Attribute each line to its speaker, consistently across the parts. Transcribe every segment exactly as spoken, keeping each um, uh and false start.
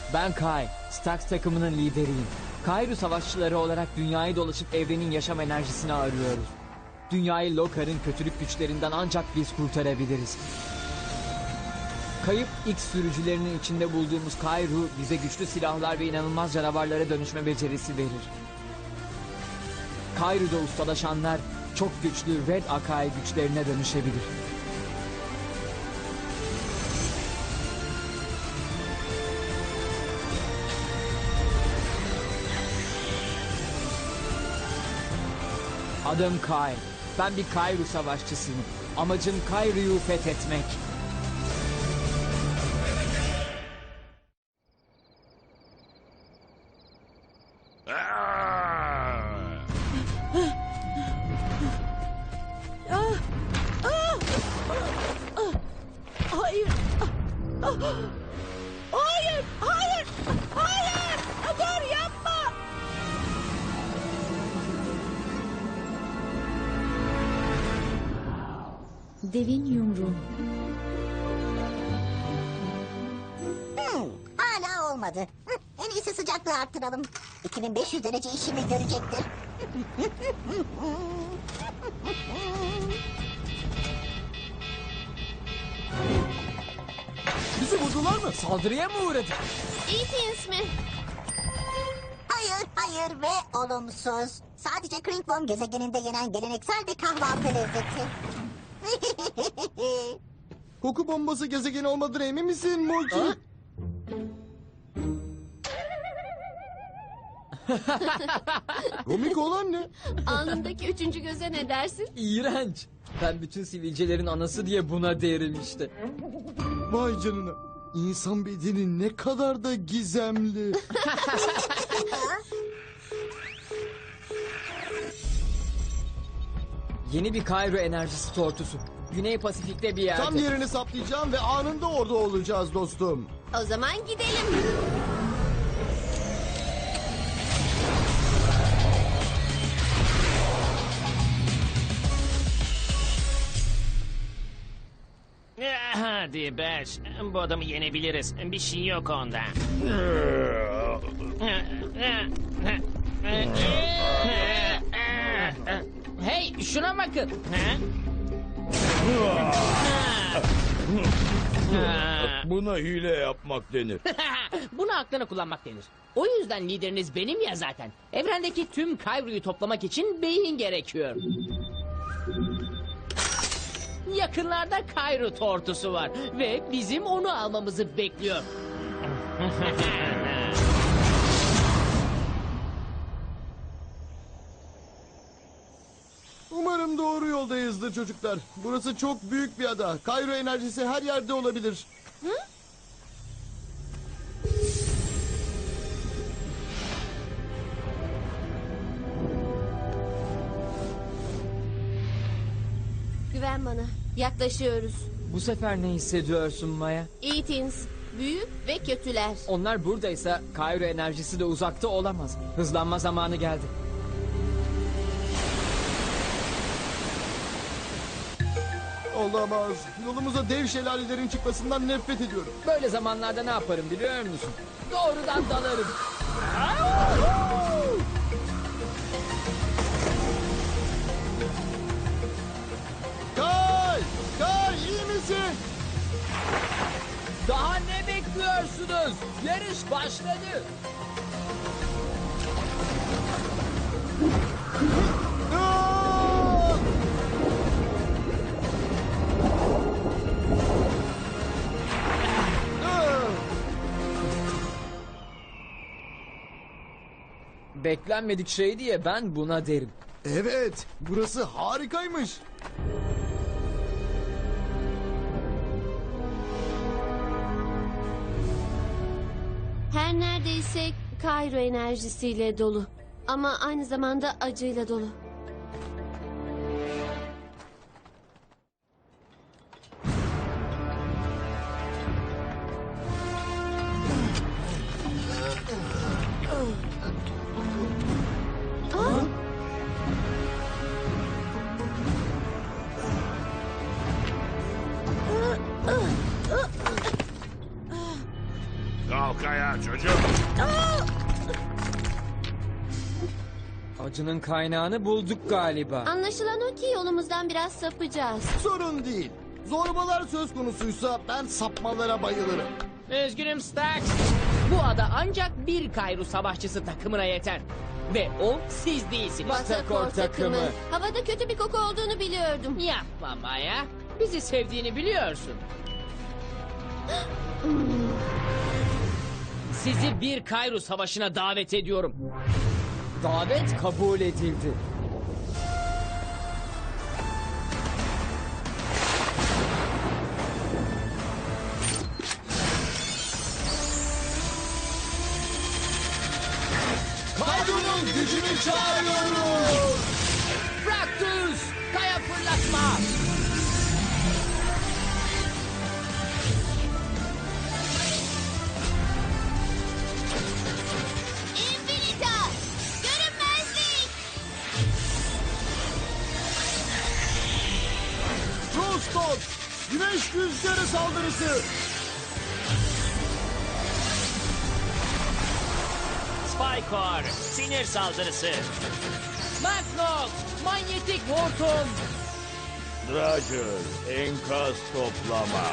Speaker 1: Ben Kai, Stax takımının lideriyim. Kairu savaşçıları olarak dünyayı dolaşıp evrenin yaşam enerjisini arıyoruz. Dünyayı Lokar'ın kötülük güçlerinden ancak biz kurtarabiliriz. Kayıp X sürücülerinin içinde bulduğumuz Kairu bize güçlü silahlar ve inanılmaz canavarlara dönüşme becerisi verir. Kairu'da ustalaşanlar çok güçlü Red Akai güçlerine dönüşebilir. Adım Kai. Ben bir Kairu savaşçısıyım. Amacım Kairu'yu fethetmek.
Speaker 2: Hayır. Hayır, hayır, hayır. Dur, yapma.
Speaker 3: Devin yumruğu.
Speaker 4: Hmm, hala olmadı. Hı, en iyisi sıcaklığı arttıralım. iki bin beş yüz derece işimi görecektir.
Speaker 1: Bizi vurdular mı? Saldırıya mı uğradık?
Speaker 5: Ethan mi?
Speaker 4: Hayır, hayır ve olumsuz. Sadece Kringworm gezegeninde yenen geleneksel bir kahvaltı lezzeti.
Speaker 6: Koku bombası gezegeni olmadığına emin misin Multi?
Speaker 1: Ha?
Speaker 6: Komik olan ne?
Speaker 5: Alnındaki üçüncü göze ne dersin?
Speaker 1: İğrenç. Ben bütün sivilcelerin anası diye buna derim işte.
Speaker 6: Vay canına. İnsan bedeni ne kadar da gizemli.
Speaker 1: Yeni bir Kairu enerjisi tortusu. Güney Pasifik'te bir yerde.
Speaker 6: Tam yerini saptayacağım ve anında orada olacağız dostum.
Speaker 5: O zaman gidelim.
Speaker 7: Hadi Beş, bu adamı yenebiliriz. Bir şey yok onda.
Speaker 8: Hey şuna bakın.
Speaker 9: Buna hile yapmak denir.
Speaker 8: Bunu aklına kullanmak denir. O yüzden lideriniz benim ya zaten. Evrendeki tüm Kairu'yu toplamak için beyin gerekiyor. Yakınlarda Kairu tortusu var ve bizim onu almamızı bekliyor.
Speaker 6: Umarım doğru yoldayızdır çocuklar. Burası çok büyük bir ada. Kayro enerjisi her yerde olabilir.
Speaker 5: Güven bana. Yaklaşıyoruz.
Speaker 1: Bu sefer ne hissediyorsun Maya?
Speaker 5: Ethan, büyük ve kötüler.
Speaker 1: Onlar buradaysa Kairu enerjisi de uzakta olamaz. Hızlanma zamanı geldi.
Speaker 6: Olamaz. Yolumuza dev şelalelerin çıkmasından nefret ediyorum.
Speaker 1: Böyle zamanlarda ne yaparım biliyor musun? Doğrudan dalarım.
Speaker 6: Kay! Kay iyi misin?
Speaker 1: Daha ne bekliyorsunuz? Yarış başladı.
Speaker 6: Aa! Aa!
Speaker 1: Beklenmedik şey diye ben buna derim.
Speaker 6: Evet, burası harikaymış.
Speaker 5: Her neredeyse Kairo enerjisiyle dolu. Ama aynı zamanda acıyla dolu.
Speaker 9: Kalk
Speaker 10: buraya çocuk.
Speaker 1: Acının kaynağını bulduk galiba.
Speaker 5: Anlaşılan o ki yolumuzdan biraz sapacağız.
Speaker 6: Sorun değil. Zorbalar söz konusuysa ben sapmalara bayılırım.
Speaker 8: Üzgünüm Stax. Bu ada ancak bir Kayru savaşçısı takımına yeter. Ve o siz değilsiniz.
Speaker 1: Batakor takımı.
Speaker 5: Havada kötü bir koku olduğunu biliyordum.
Speaker 8: Yapma Maya. Bizi sevdiğini biliyorsun. Sizi bir Kayru savaşına davet ediyorum.
Speaker 1: Davet kabul edildi.
Speaker 6: Kayru'nun gücünü çağırıyoruz.
Speaker 8: Fraktus! Kaya fırlatma!
Speaker 5: Infinita! Görünmezlik!
Speaker 6: Frostot, güneş rüzgarı saldırısı.
Speaker 7: Spycore, sinir saldırısı.
Speaker 8: Magnox! Manyetik hortum!
Speaker 9: Roger, enkaz toplama.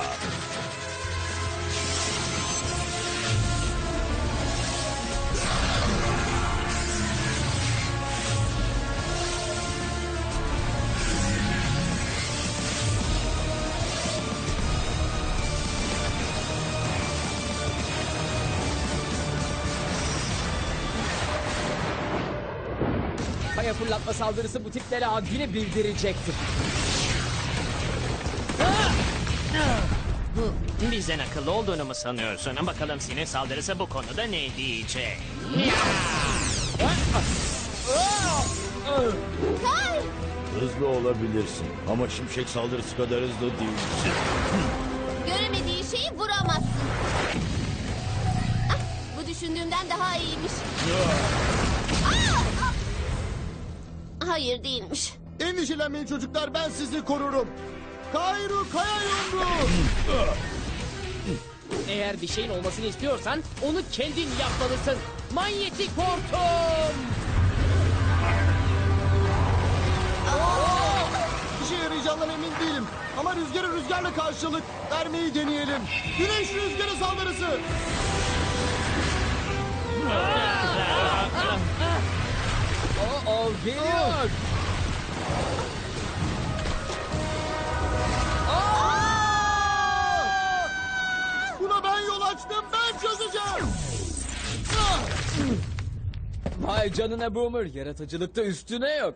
Speaker 1: Kaya fırlatma saldırısı bu tiplere haddini bildirecektir.
Speaker 7: Bizden akıllı olduğunu mu sanıyorsun? Bakalım sinir saldırısı bu konuda ne diyecek?
Speaker 5: Kay!
Speaker 9: Hızlı olabilirsin ama şimşek saldırısı kadar hızlı değilsin.
Speaker 5: Göremediği şeyi vuramazsın. Ah, bu düşündüğümden daha iyiymiş. Ah! Hayır değilmiş.
Speaker 6: Endişelenmeyin çocuklar, ben sizi korurum. Kayru kaya yumruğu.
Speaker 8: Eğer bir şeyin olmasını istiyorsan onu kendin yapmalısın. Manyetik hortum!
Speaker 6: İşe yarayacağından emin değilim. Ama rüzgarı rüzgarla karşılık vermeyi deneyelim. Güneş rüzgarı saldırısı.
Speaker 1: O, o geliyor.
Speaker 6: Buna ben yol açtım, ben çözeceğim.
Speaker 1: Vay canına Boomer. Yaratıcılıkta üstüne yok.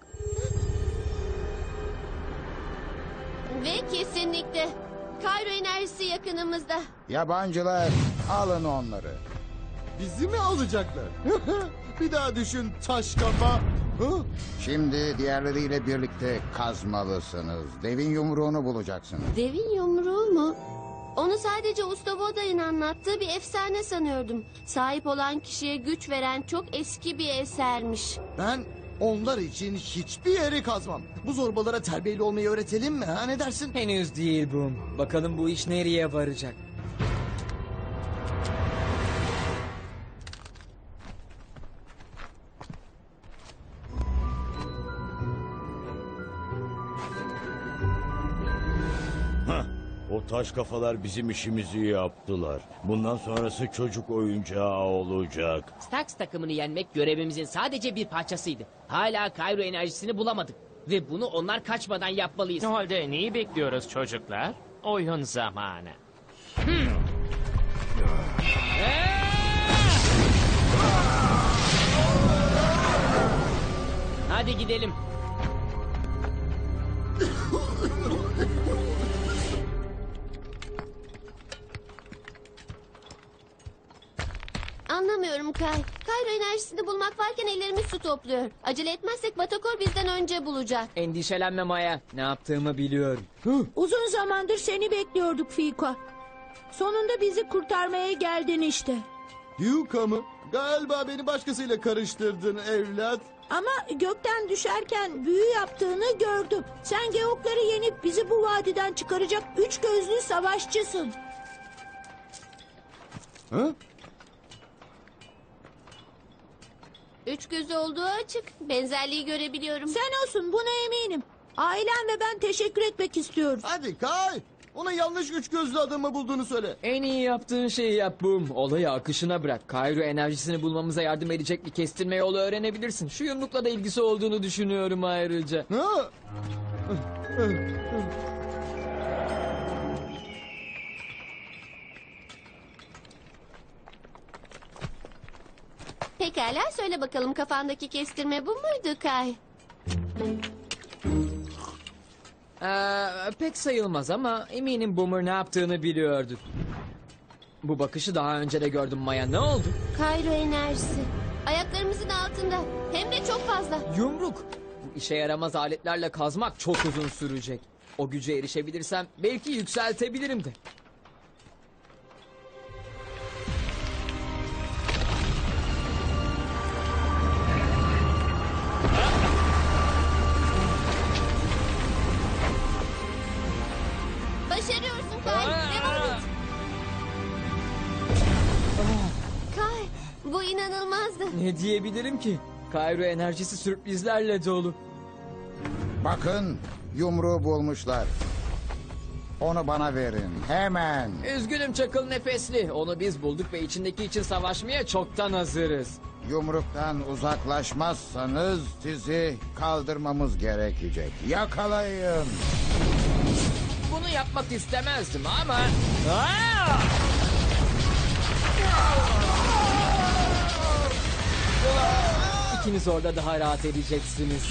Speaker 5: Ve kesinlikle Kayro enerjisi yakınımızda.
Speaker 11: Yabancılar alın onları.
Speaker 6: Bizi mi alacaklar? Bir daha düşün taş kafa. Hı?
Speaker 11: Şimdi diğerleriyle birlikte kazmalısınız. Devin yumruğunu bulacaksınız.
Speaker 5: Devin yumruğu mu? Onu sadece Usta Voda'nın anlattığı bir efsane sanıyordum. Sahip olan kişiye güç veren çok eski bir esermiş.
Speaker 6: Ben onlar için hiçbir yeri kazmam. Bu zorbalara terbiyeli olmayı öğretelim mi? Ha, ne dersin?
Speaker 1: Henüz değil Boom. Bakalım bu iş nereye varacak.
Speaker 9: Hah, o taş kafalar bizim işimizi yaptılar. Bundan sonrası çocuk oyuncağı olacak.
Speaker 8: Stax takımını yenmek görevimizin sadece bir parçasıydı. Hala Kayro enerjisini bulamadık. Ve bunu onlar kaçmadan yapmalıyız.
Speaker 7: O halde neyi bekliyoruz çocuklar? Oyun zamanı.
Speaker 8: Hadi gidelim.
Speaker 5: Anlamıyorum Kay. Kayro enerjisini bulmak varken ellerimiz su topluyor. Acele etmezsek Batakor bizden önce bulacak.
Speaker 1: Endişelenme Maya. Ne yaptığımı biliyorum.
Speaker 2: Uzun zamandır seni bekliyorduk Fiko. Sonunda bizi kurtarmaya geldin işte.
Speaker 6: Yuka mı? Galiba beni başkasıyla karıştırdın evlat.
Speaker 2: Ama gökten düşerken büyü yaptığını gördüm. Sen Geokları yenip bizi bu vadiden çıkaracak üç gözlü savaşçısın.
Speaker 6: Ha?
Speaker 5: Üç gözü olduğu açık. Benzerliği görebiliyorum.
Speaker 2: Sen olsun, buna eminim. Ailem ve ben teşekkür etmek istiyoruz.
Speaker 6: Hadi Kay. Ona yanlış üç gözlü adamı bulduğunu söyle.
Speaker 1: En iyi yaptığın şeyi yap Boom. Olayı akışına bırak. Kayru enerjisini bulmamıza yardım edecek bir kestirme yolu öğrenebilirsin. Şu yumrukla da ilgisi olduğunu düşünüyorum ayrıca.
Speaker 6: Ha?
Speaker 5: Pekala söyle bakalım kafandaki kestirme bu muydu Kay?
Speaker 1: Ee, pek sayılmaz ama eminim Boomer ne yaptığını biliyordu. Bu bakışı daha önce de gördüm Maya. Ne oldu?
Speaker 5: Kayru enerjisi. Ayaklarımızın altında. Hem de çok fazla.
Speaker 1: Yumruk. Bu işe yaramaz aletlerle kazmak çok uzun sürecek. O güce erişebilirsem belki yükseltebilirim de.
Speaker 5: Başarıyorsun Kay. Devam et. Kay, bu inanılmazdı.
Speaker 1: Ne diyebilirim ki? Kayru enerjisi sürprizlerle dolu.
Speaker 11: Bakın, yumruğu bulmuşlar. Onu bana verin, hemen.
Speaker 1: Üzgünüm çakıl nefesli. Onu biz bulduk ve içindeki için savaşmaya çoktan hazırız.
Speaker 11: Yumruktan uzaklaşmazsanız sizi kaldırmamız gerekecek. Yakalayın.
Speaker 1: Bunu yapmak istemezdim ama... Aa! İkiniz orada daha rahat edeceksiniz.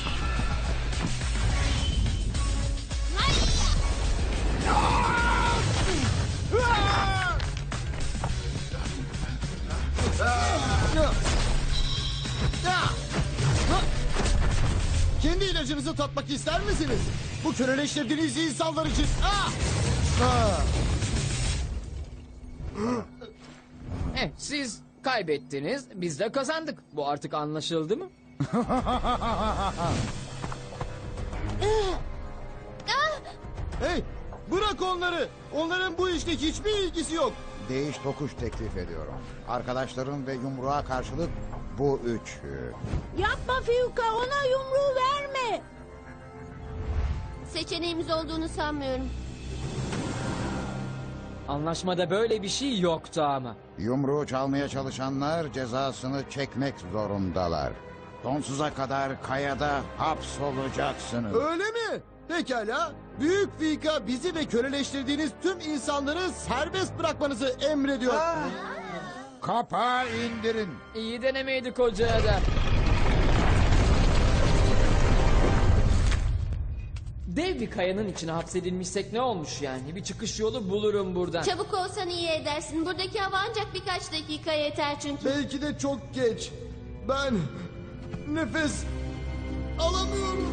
Speaker 6: Kendi ilacınızı tatmak ister misiniz? Bu köleleştirdiğiniz insanlar için. Ah! Ah!
Speaker 1: Eh, siz kaybettiniz, biz de kazandık. Bu artık anlaşıldı mı?
Speaker 6: Hey, bırak onları. Onların bu işle hiçbir ilgisi yok.
Speaker 11: Değiş tokuş teklif ediyorum. Arkadaşların ve yumruğa karşılık bu üçü.
Speaker 2: Yapma Fiyuka, ona yumruğu verme.
Speaker 5: Seçeneğimiz olduğunu sanmıyorum.
Speaker 1: Anlaşmada böyle bir şey yoktu ama.
Speaker 11: Yumruğu çalmaya çalışanlar cezasını çekmek zorundalar. Sonsuza kadar kayada hapsolacaksınız.
Speaker 6: Öyle mi? Pekala. Büyük Fika bizi ve köleleştirdiğiniz tüm insanları serbest bırakmanızı emrediyor.
Speaker 11: Kapağı indirin.
Speaker 1: İyi denemeydi koca adam. Dev bir kayanın içine hapsedilmişsek ne olmuş yani? Bir çıkış yolu bulurum buradan.
Speaker 5: Çabuk olsan iyi edersin. Buradaki hava ancak birkaç dakika yeter çünkü.
Speaker 6: Belki de çok geç. Ben nefes alamıyorum.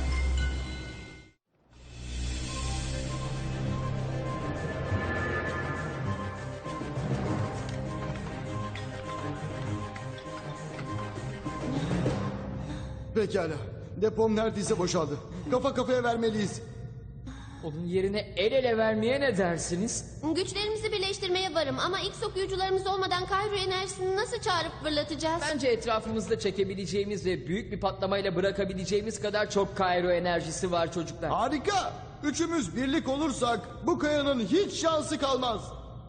Speaker 6: Pekala. Depom neredeyse boşaldı. Kafa kafaya vermeliyiz.
Speaker 1: Onun yerine el ele vermeye ne dersiniz?
Speaker 5: Güçlerimizi birleştirmeye varım ama ilk okuyucularımız olmadan Kayru enerjisini nasıl çağırıp fırlatacağız?
Speaker 1: Bence etrafımızda çekebileceğimiz ve büyük bir patlamayla bırakabileceğimiz kadar çok Kayru enerjisi var çocuklar.
Speaker 6: Harika. Üçümüz birlik olursak bu kayanın hiç şansı kalmaz.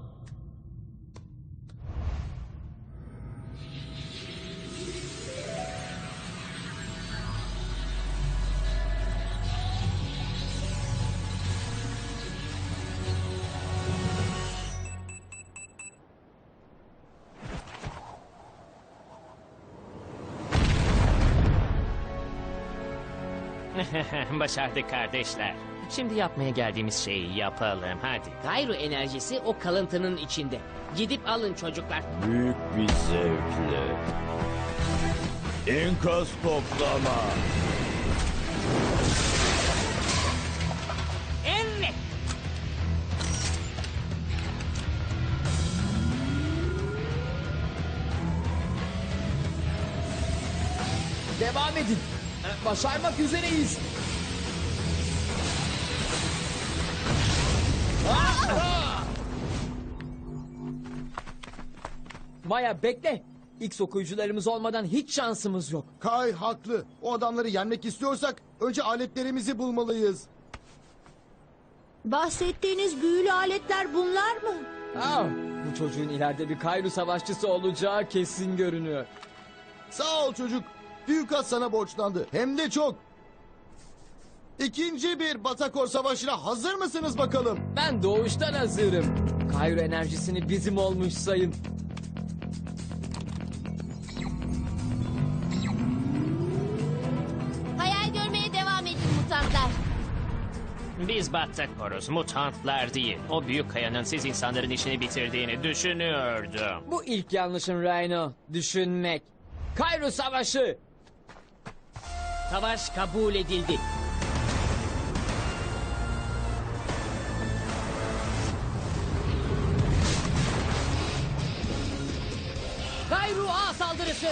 Speaker 7: Başardık kardeşler. Şimdi yapmaya geldiğimiz şeyi yapalım hadi.
Speaker 8: Kayru enerjisi o kalıntının içinde. Gidip alın çocuklar.
Speaker 9: Büyük bir zevkle. İnkaz toplama.
Speaker 8: Evet.
Speaker 1: Devam edin. Başarmak üzereyiz. Maya bekle. X okuyucularımız olmadan hiç şansımız yok.
Speaker 6: Kay haklı. O adamları yenmek istiyorsak önce aletlerimizi bulmalıyız.
Speaker 2: Bahsettiğiniz büyülü aletler bunlar mı?
Speaker 1: Aa, bu çocuğun ileride bir Kayru savaşçısı olacağı kesin görünüyor.
Speaker 6: Sağ ol çocuk. Büyükas sana borçlandı. Hem de çok. İkinci bir Batakor Savaşı'na hazır mısınız bakalım?
Speaker 1: Ben doğuştan hazırım. Kayru enerjisini bizim olmuş sayın.
Speaker 5: Hayal görmeye devam edin mutantlar.
Speaker 7: Biz Battakoruz, mutantlar değil. O büyük kayanın siz insanların işini bitirdiğini düşünüyordum.
Speaker 1: Bu ilk yanlışın Rhino. Düşünmek. Kayru savaşı.
Speaker 8: Savaş kabul edildi. Kayru A saldırısı.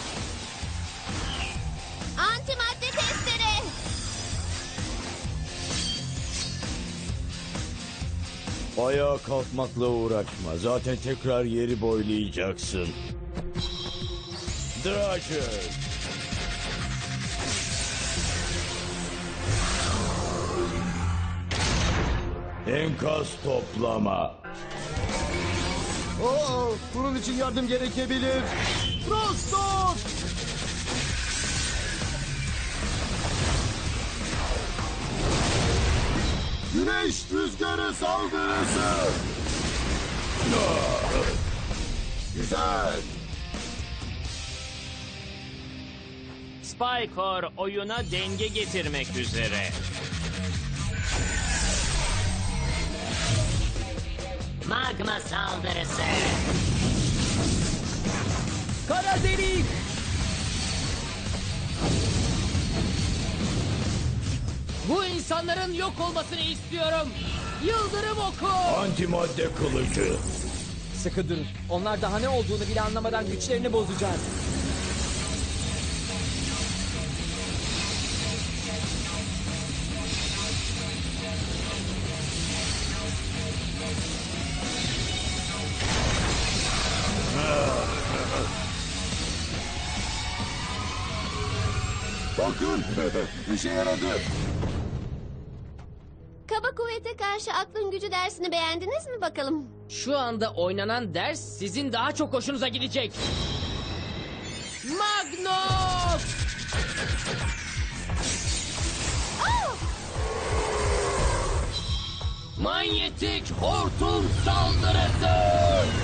Speaker 5: Antimadde testere.
Speaker 9: Ayağa kalkmakla uğraşma. Zaten tekrar yeri boylayacaksın. Dragon. Enkaz toplama.
Speaker 6: Oo, bunun için yardım gerekebilir. Frostok! Güneş rüzgarı saldırısı. Güzel.
Speaker 7: Spycore oyuna denge getirmek üzere.
Speaker 8: Magma saldırısı.
Speaker 1: Kara delik.
Speaker 8: Bu insanların yok olmasını istiyorum. Yıldırım oku.
Speaker 9: Antimadde kılıcı.
Speaker 1: Sıkı durun. Onlar daha ne olduğunu bile anlamadan güçlerini bozacağız.
Speaker 6: Bakın, işe yaradı.
Speaker 5: Kaba kuvvete karşı aklın gücü dersini beğendiniz mi bakalım?
Speaker 8: Şu anda oynanan ders sizin daha çok hoşunuza gidecek. Magnus! Manyetik hortum saldırısı!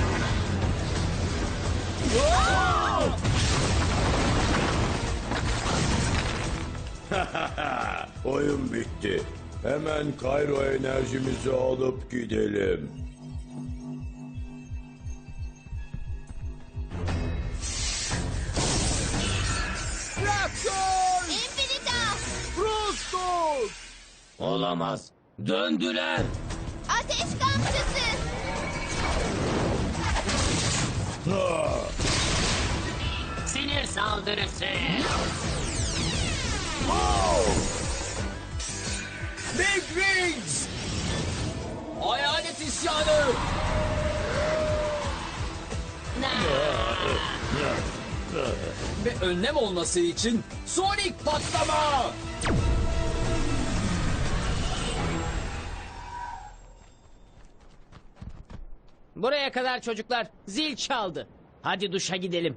Speaker 9: Oyun bitti. Hemen Kayro enerjimizi alıp gidelim.
Speaker 6: Raptor!
Speaker 5: Infinitas!
Speaker 6: Frostok!
Speaker 8: Olamaz. Döndüler.
Speaker 5: Ateş kamçısı!
Speaker 8: Sinir saldırısı.
Speaker 1: Big Wings! Hayalet isyanı! Ve önlem olması için Sonic patlama!
Speaker 8: Buraya kadar çocuklar. Zil çaldı. Hadi duşa gidelim.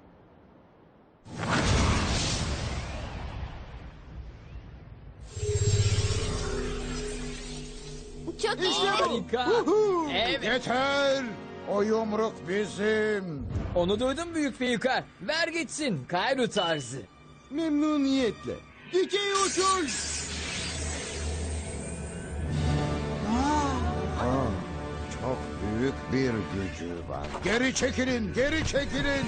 Speaker 5: Çok iyi.
Speaker 1: Harika!
Speaker 8: Evet.
Speaker 11: Yeter! O yumruk bizim.
Speaker 1: Onu duydum büyük büyüka. Ver gitsin Kayru tarzı.
Speaker 6: Memnuniyetle. Dikey uçuş!
Speaker 11: Aa, çok büyük bir gücü var. Geri çekilin, geri çekilin.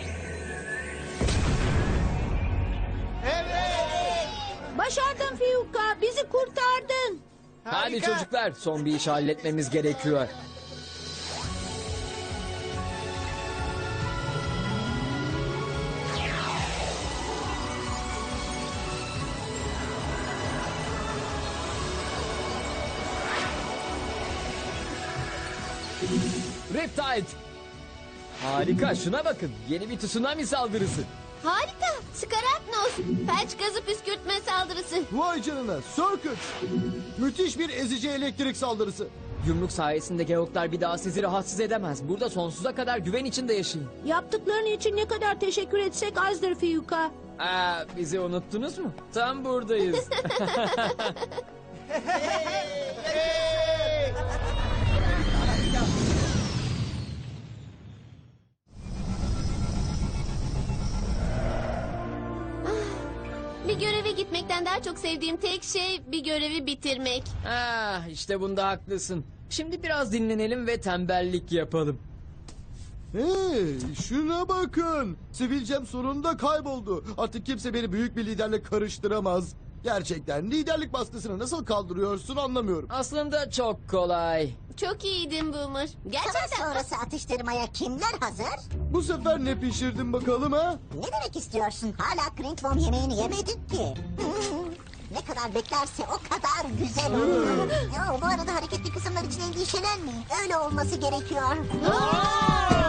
Speaker 2: Başardın Fiyuka, bizi kurtardın.
Speaker 1: Hadi çocuklar son bir iş halletmemiz gerekiyor. Riptide! Harika, şuna bakın. Yeni bir tsunami saldırısı.
Speaker 5: Harika. Skaratnos. Felç gazı püskürtme saldırısı.
Speaker 6: Vay canına, Circuit. Müthiş bir ezici elektrik saldırısı.
Speaker 1: Yumruk sayesinde geoklar bir daha sizi rahatsız edemez. Burada sonsuza kadar güven içinde yaşayın.
Speaker 2: Yaptıkların için ne kadar teşekkür etsek azdır Fiyuka.
Speaker 1: Aa, bizi unuttunuz mu? Tam buradayız.
Speaker 5: Bir göreve gitmekten daha çok sevdiğim tek şey bir görevi bitirmek.
Speaker 1: Ah, işte bunda haklısın. Şimdi biraz dinlenelim ve tembellik yapalım.
Speaker 6: Hey, şuna bakın. Sivilcem sonunda kayboldu. Artık kimse beni büyük bir liderle karıştıramaz. Gerçekten liderlik baskısını nasıl kaldırıyorsun anlamıyorum.
Speaker 1: Aslında çok kolay.
Speaker 5: Çok iyiydin Boomer.
Speaker 4: Savaş
Speaker 5: Gerçekten.
Speaker 4: sonrası atıştırmaya kimler hazır?
Speaker 6: Bu sefer ne pişirdin bakalım ha?
Speaker 4: Ne demek istiyorsun? Hala Kringworm yemeğini yemedik ki. Hmm, ne kadar beklerse o kadar güzel olur. Ya, bu arada hareketli kısımlar için endişelenmeyin. Öyle olması gerekiyor.
Speaker 5: Aa!